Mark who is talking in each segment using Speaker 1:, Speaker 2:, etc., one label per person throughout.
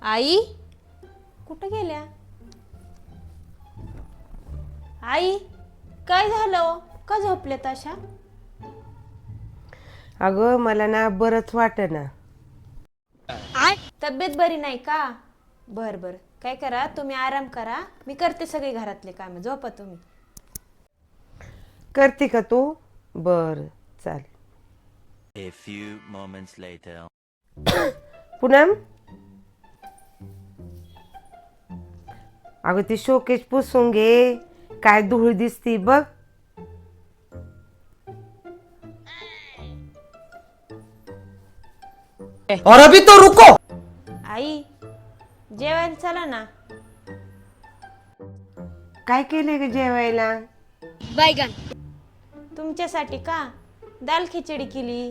Speaker 1: आई कुठे गेल्या? आई काय झालं? का झोपले तशा?
Speaker 2: अगं मला ना बरंच वाटेना.
Speaker 1: तब्येत बरी नाही का? बर बर, काय करा तुम्ही आराम करा, मी करते सगळे घरातले काम. झोपा तुम्ही.
Speaker 2: करते का तू? बर चालेल.
Speaker 3: A few moments later.
Speaker 2: Poonam, अगं ती शोकेश पुसून घे, काय धूळ दिसती बघ.
Speaker 4: और अभी तो रुको।
Speaker 1: आई जेवायला चला ना.
Speaker 2: काय केले ग जेवायला?
Speaker 1: तुमच्यासाठी का दाल खिचडी केली.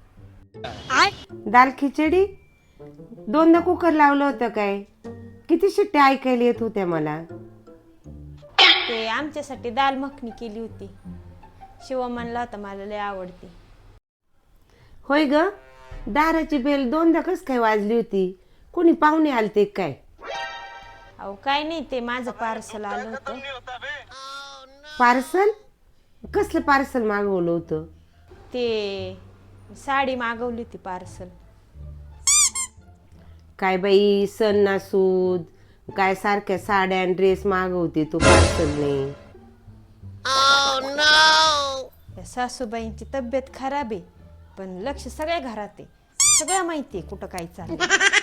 Speaker 2: दाल खिचडी? दोनदा कुकर लावलं होतं काय? किती शिट्ट्या ऐकायला येत होत्या मला.
Speaker 1: ते आमच्यासाठी दाल मखनी केली होती. शिव म्हणला होता मला लय आवडते.
Speaker 2: होय ग, दाराची बेल दोनदा कस काय वाजली होती? कोणी पाहुणे आलते काय?
Speaker 1: अहो काय नाही, ते माझं पार्सल आलं होतं.
Speaker 2: पार्सल? कसलं पार्सल मागवलं होतं?
Speaker 1: ते साडी मागवली होती पार्सल.
Speaker 2: काय बाई, सण नासूद काय सारख्या साड्या आणि ड्रेस मागवते तू पार्सलने.
Speaker 1: या सासूबाईंची तब्येत खराब आहे, पण लक्ष सगळ्या घरात आहे. सगळं माहिती आहे कुठं काय चाललंय.